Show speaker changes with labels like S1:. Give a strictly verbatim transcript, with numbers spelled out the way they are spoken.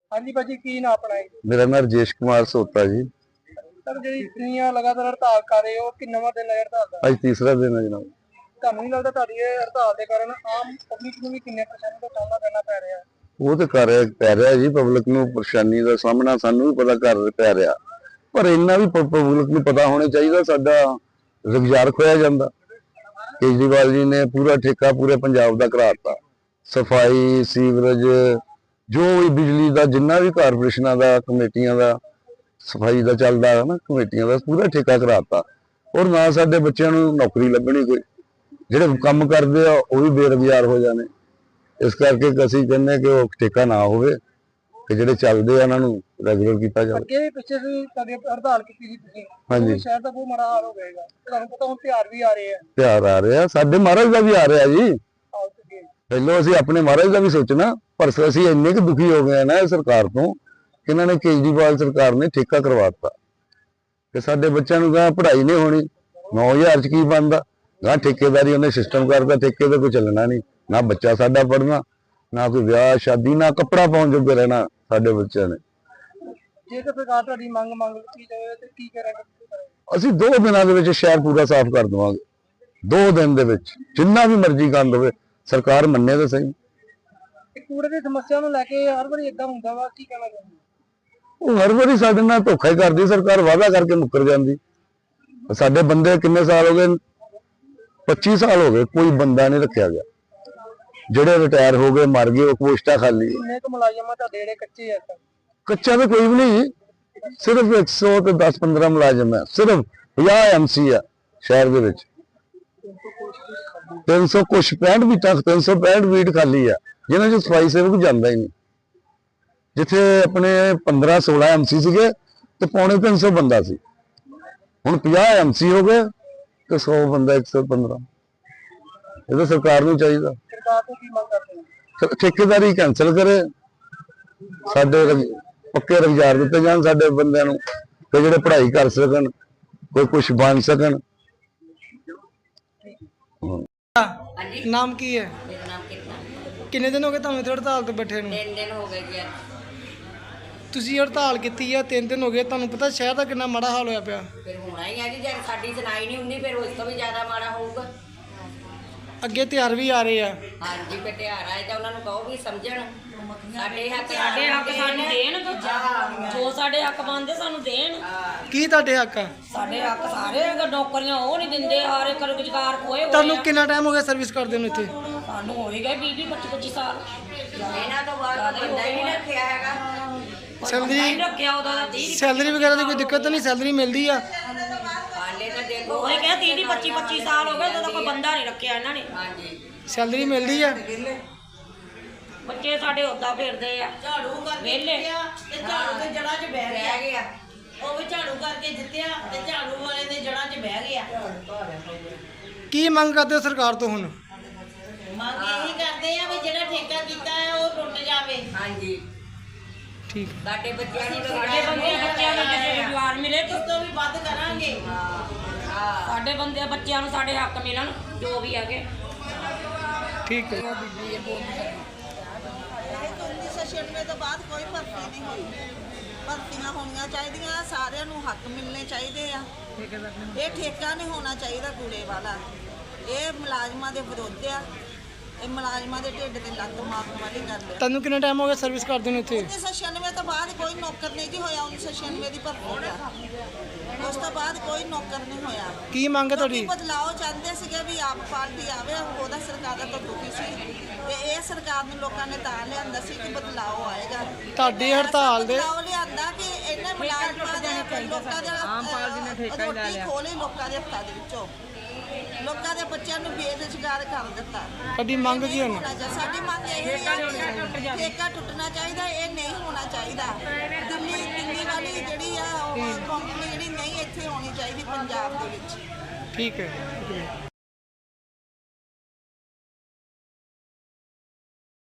S1: हाँ जी भाजी की ना अपना
S2: मेरा नाम राजेश कुमार सोता जी।
S1: सर जी इतनी लगातार हड़ताल कर रहे हो कि नवा दिन है हड़ताल का
S2: अज तीसरा दिन है जनाब।
S1: ਤੁਹਾਨੂੰ नहीं लगता ਤੁਹਾਡੀ ਇਹ ਹੜਤਾਲ ਦੇ ਕਾਰਨ ਆਮ ਪਬਲਿਕ ਨੂੰ ਵੀ ਕਿੰਨੇ ਪਰੇਸ਼ਾਨੀ ਦਾ ਸਾਹਮਣਾ ਕਰਨਾ ਪੈ ਰਿਹਾ ਹੈ
S2: वो तो कर रहा पै रहा जी पब्लिक ਨੂੰ परेशानी का सामना सानू भी पता कर पै रहा पर इन्ना भी पब्लिक ਨੂੰ पता होना चाहिए साडा रोजगार खोया जाता। केजरीवाल जी ने पूरा ठेका पूरे पंजाब का कराता सफाई सीवरेज जो भी बिजली का जिन्ना भी कारपोरेशना का कमेटियां का सफाई का चलता है ना कमेटियां का पूरा ठेका कराता और ना साडे बच्चों को नौकरी लगनी कोई ਜਿਹੜੇ ਕੰਮ ਕਰਦੇ ਆ ਉਹ ਵੀ ਬੇਰੁਜ਼ਗਾਰ ਹੋ ਜਾਣੇ। ਇਸ ਕਰਕੇ ਅਸੀਂ ਕਹਿੰਦੇ ਕਿ ਉਹ ਠੇਕਾ ਨਾ ਹੋਵੇ ਕਿ ਜਿਹੜੇ ਚੱਲਦੇ ਆ ਉਹਨਾਂ ਨੂੰ ਰੈਗੂਲਰ ਕੀਤਾ ਜਾਵੇ।
S1: ਅੱਗੇ ਪਿੱਛੇ ਵੀ ਤੁਹਾਡੀ ਹੜਤਾਲ ਕੀਤੀ ਸੀ ਤੁਸੀਂ
S2: ਹਾਂਜੀ
S1: ਸ਼ਹਿਰ ਦਾ ਬਹੁਤ ਮਾੜਾ ਹਾਲ ਹੋ ਜਾਏਗਾ। ਤੁਹਾਨੂੰ ਪਤਾ ਹੁਣ ਤਿਉਹਾਰ ਵੀ ਆ ਰਹੇ ਆ
S2: ਤਿਉਹਾਰ ਆ ਰਿਹਾ ਸਾਡੇ ਮਹਾਰਾਜ ਦਾ ਵੀ ਆ ਰਿਹਾ ਜੀ। ਪਹਿਲਾਂ ਅਸੀਂ ਆਪਣੇ ਮਹਾਰਾਜ ਦਾ ਵੀ ਸੋਚਣਾ ਪਰ ਅਸੀਂ ਇੰਨੇ ਕੁ ਦੁਖੀ ਹੋ ਗਏ ਨਾ ਇਹ ਸਰਕਾਰ ਤੋਂ ਕਿ ਇਹਨਾਂ ਨੇ ਕੇਜਰੀਵਾਲ ਸਰਕਾਰ ਨੇ ਠੇਕਾ ਕਰਵਾਤਾ ਕਿ ਸਾਡੇ ਬੱਚਿਆਂ ਨੂੰ ਕਹਾਂ ਪੜ੍ਹਾਈ ਨਹੀਂ ਹੋਣੀ ਨੌ ਹਜ਼ਾਰ ਚ ਕੀ ਬਣਦਾ ना ठेकेदारी उन्हें सिस्टम करता ठेके तो कोई चलना नहीं ना बच्चा साडा पढ़ना ना कोई ब्याह शादी ना कपड़ा पाउण जोगे रहना साडे बच्चों ने।
S1: जेकर सरकार तुहाडी मंग मंग की जावे ते की करांगे
S2: ਅਸੀਂ दो दिनों ਦੇ ਵਿੱਚ शहर पूरा साफ कर देवांगे दो दिन ਦੇ ਵਿੱਚ जिन्ना भी मर्जी गंद होवे सरकार ਮੰਨੇ ਤਾਂ सही।
S1: कूड़े ਦੀ समस्या ਨੂੰ ਲੈ ਕੇ हर ਵਾਰੀ ਇਦਾਂ ਹੁੰਦਾ ਵਾ ਕੀ ਕਹਿਣਾ ਚਾਹੁੰਦੇ
S2: ਉਹ ਹਰ ਵਾਰੀ ਸਾਡੇ ਨਾਲ ਧੋਖਾ ਹੀ ਕਰਦੀ ਸਰਕਾਰ ਵਾਅਦਾ ਕਰਕੇ ਮੁੱਕਰ ਜਾਂਦੀ। ਸਾਡੇ ਬੰਦੇ ਕਿੰਨੇ ਸਾਲ ਹੋ ਗਏ पच्चीस साल हो गए कोई बंदा नहीं रखा गया जेडे रिटायर हो गए मर गए पोस्टा खाली कच्चा तो कोई भी नहीं सिर्फ एक सौ तो दस पंद्रह मुलाजम है सिर्फ पचास एम सी है शहर के तीन सौ कुछ पैंठ बीटा तीन सौ पैंठ बीट खाली है जिन्होंने जो सफाई सेवक जाता ही नहीं जिथे अपने पंद्रह सोलह एम सी सीगे तो पौने तीन सौ बंदा सी हुण पचास एम सी हो गए तो सौ बंदा एक सौ पंद्रह ये सरकार नूं चाहिए ठेकेदारी कैंसल करे साडे पक्के रोजगार दिते जाण साडे बंदियां नूं ते जिहड़े पढ़ाई कर सकन कोई कुछ बन सकन।
S1: नाम की है किन्ने दिन हो गए तुहानूं इत्थे हड़ताल ते बैठे नूं?
S3: तीन दिन हो गए जी।
S1: ਤੁਸੀਂ ਹੜਤਾਲ ਕੀਤੀ ਆ ਤਿੰਨ ਦਿਨ ਹੋ ਗਏ ਤੁਹਾਨੂੰ ਪਤਾ ਸ਼ਹਿਰ ਦਾ ਕਿੰਨਾ ਮਾੜਾ ਹਾਲ ਹੋਇਆ ਪਿਆ।
S3: ਫਿਰ ਹੋਣਾ ਹੀ ਆ ਜੀ ਜੇ ਸਾਡੀ ਸੁਣਾਈ ਨਹੀਂ ਹੁੰਦੀ ਫਿਰ ਉਸ ਤੋਂ ਵੀ ਜ਼ਿਆਦਾ ਮਾੜਾ ਹੋਊਗਾ।
S1: ਅੱਗੇ ਤਿਉਹਾਰ ਵੀ ਆ ਰਹੇ ਆ।
S3: ਹਾਂਜੀ ਫਿਰ ਤਿਉਹਾਰ ਆਏ ਤਾਂ ਉਹਨਾਂ ਨੂੰ ਕਹੋ ਵੀ ਸਮਝਣ ਸਾਡੇ ਹੱਕ
S4: ਸਾਡੇ ਹੱਕ ਸਾਨੂੰ ਦੇਣ ਜੋ ਸਾਡੇ ਹੱਕ ਬਣਦੇ ਸਾਨੂੰ ਦੇਣ।
S1: ਕੀ ਤੁਹਾਡੇ ਹੱਕ ਆ?
S4: ਸਾਡੇ ਹੱਕ ਸਾਰੇ ਨੌਕਰੀਆਂ ਉਹ ਨਹੀਂ ਦਿੰਦੇ ਹਰ ਇੱਕ ਰੁਜ਼ਗਾਰ ਖੋਏ ਹੋਏ।
S1: ਤੁਹਾਨੂੰ ਕਿੰਨਾ ਟਾਈਮ ਹੋ ਗਿਆ ਸਰਵਿਸ ਕਰਦੇ ਨੂੰ ਇੱਥੇ?
S4: ਸਾਨੂੰ ਹੋ ਹੀ ਗਏ ਵੀਹ ਵੀਹ ਪੱਚੀ ਪੱਚੀ ਸਾਲ।
S3: ਇਹਨਾਂ ਤੋਂ ਬਾਅਦ ਬੰਦਾ ਹੀ ਨਹੀਂ ਰੱਖਿਆ ਹੈਗਾ।
S1: ਸੈਲਰੀ
S4: ਰੱਖਿਆ ਉਹਦਾ
S1: ਸੈਲਰੀ ਵਗੈਰਾ ਦੀ ਕੋਈ ਦਿੱਕਤ ਤਾਂ ਨਹੀਂ ਸਾਲਰੀ ਮਿਲਦੀ ਆ?
S3: ਹਾਲੇ ਤਾਂ ਦੇਖੋ
S4: ਉਹ ਕਹਿੰਦੇ ਤੀਹ ਤੀਹ ਪੱਚੀ ਪੱਚੀ ਸਾਲ ਹੋ ਗਏ ਤਾਂ ਕੋਈ ਬੰਦਾ ਨਹੀਂ ਰੱਖਿਆ ਇਹਨਾਂ ਨੇ।
S3: ਹਾਂਜੀ
S1: ਸੈਲਰੀ ਮਿਲਦੀ ਆ?
S4: ਬੱਚੇ ਸਾਡੇ ਉੱਦਾਂ ਫਿਰਦੇ ਆ ਝਾੜੂ ਵਿਹਲੇ
S5: ਤੇ ਝਾੜੂ ਦੇ ਜੜ੍ਹਾਂ 'ਚ ਬਹਿ ਗਿਆ
S3: ਰਹਿ ਗਿਆ
S5: ਉਹ ਵੀ ਝਾੜੂ ਕਰਕੇ ਜਿੱਤਿਆ ਤੇ ਝਾੜੂ ਵਾਲੇ ਦੇ ਜੜ੍ਹਾਂ 'ਚ ਬਹਿ ਗਿਆ।
S1: ਕੀ ਮੰਗ ਕਰਦੇ ਹੋ ਸਰਕਾਰ ਤੋਂ ਹੁਣ?
S5: ਮੰਗ ਇਹੀ ਕਰਦੇ ਆ ਵੀ ਜਿਹੜਾ ਠੇਕਾ ਕੀਤਾ ਹੈ ਉਹ ਟੁੱਟ ਜਾਵੇ।
S3: ਹਾਂਜੀ
S1: ਠੀਕ
S3: ਸਾਡੇ ਬੱਚਿਆਂ ਨੂੰ
S4: ਸਾਡੇ ਬੰਦੇ ਬੱਚਿਆਂ ਨੂੰ ਜੇ ਰੁਜ਼ਗਾਰ ਮਿਲੇ
S5: ਇਸ ਤੋਂ ਵੀ ਵੱਧ ਕਰਾਂਗੇ।
S4: ਸਾਡੇ ਬੰਦੇ ਬੱਚਿਆਂ ਨੂੰ ਸਾਡੇ ਹੱਕ ਮਿਲਣ ਜੋ ਵੀ ਹੈਗੇ।
S1: ਠੀਕ ਹੈ।
S6: उन्नीस सौ छियानवे तो बाद कोई भर्ती नहीं हुई भर्तियां होनी चाहिए सारे हक मिलने चाहिए ये ठेका नहीं होना चाहिए कूड़े वाला ये मुलाजमान के विरोध आ ये मुलाजमान के ढिड ते लत्त मारन वाली गल है।
S1: ਤੁਹਾਨੂੰ ਕਿੰਨਾ ਟਾਈਮ ਹੋ ਗਿਆ ਸਰਵਿਸ ਕਰਦੇ ਨੂੰ ਇੱਥੇ?
S6: उन्नीस सौ छियानवे तो बाद कोई नौकर नहीं जी होया उन्नीस सौ छियानवे की भर्ती का उस तो बाद कोई नौकर नहीं होया।
S1: ਕੀ ਮੰਗ ਹੈ ਤੁਹਾਡੀ?
S6: बदलाव चाहते थे भी आप पार्टी आवे ਉਹਦਾ ਸਰਕਾਰ ਦਾ ਦੁਖੀ ਸੀ ਤੇ ਇਹ ਸਰਕਾਰ ਨੂੰ ਲੋਕਾਂ ਨੇ ਤਾਂ ਲਿਆਂਦਾ ਸੀ ਕਿ ਬਦਲਾਅ ਆਏਗਾ।
S1: ਤੁਹਾਡੀ ਹੜਤਾਲ ਦੇ
S6: ਬਦਲਾਅ ਲਿਆਂਦਾ ਕਿ ਇਹਨਾਂ ਮੁਲਾਜ਼ਮਾਂ ਦੇ ਲੋਕਾਂ ਦੇ ਆਮ ਪਾਰਟੀ ਨੇ ਠੇਕਾ ਹੀ ਲੈ ਲਿਆ ਖੋਲੇ ਲੋਕਾਂ ਦੇ ਹੱਥਾਂ ਦੇ ਵਿੱਚੋਂ ਲੋਕਾਂ ਦੇ ਬੱਚਿਆਂ ਨੂੰ ਬੇਰੁਜ਼ਗਾਰ ਕਰ ਦਿੱਤਾ।
S1: ਤੁਹਾਡੀ ਮੰਗ ਕੀ ਹੁਣ?
S6: ਸਾਡੀ ਮੰਗ ਇਹ ਹੈ ਕਿ ਠੇਕਾ ਟੁੱਟਣਾ ਚਾਹੀਦਾ ਇਹ ਨਹੀਂ ਹੋਣਾ ਚਾਹੀਦਾ। ਦਿੱਲੀ ਦਿੱਲੀ ਵਾਲੀ ਜਿਹੜੀ ਆ ਉਹ ਕੰਪਨੀ ਜਿਹੜੀ ਨਹੀਂ ਇੱਥੇ ਹੋਣੀ ਚਾਹੀਦੀ ਪੰਜਾਬ ਦੇ ਵਿੱਚ।
S1: ਠੀਕ ਹੈ।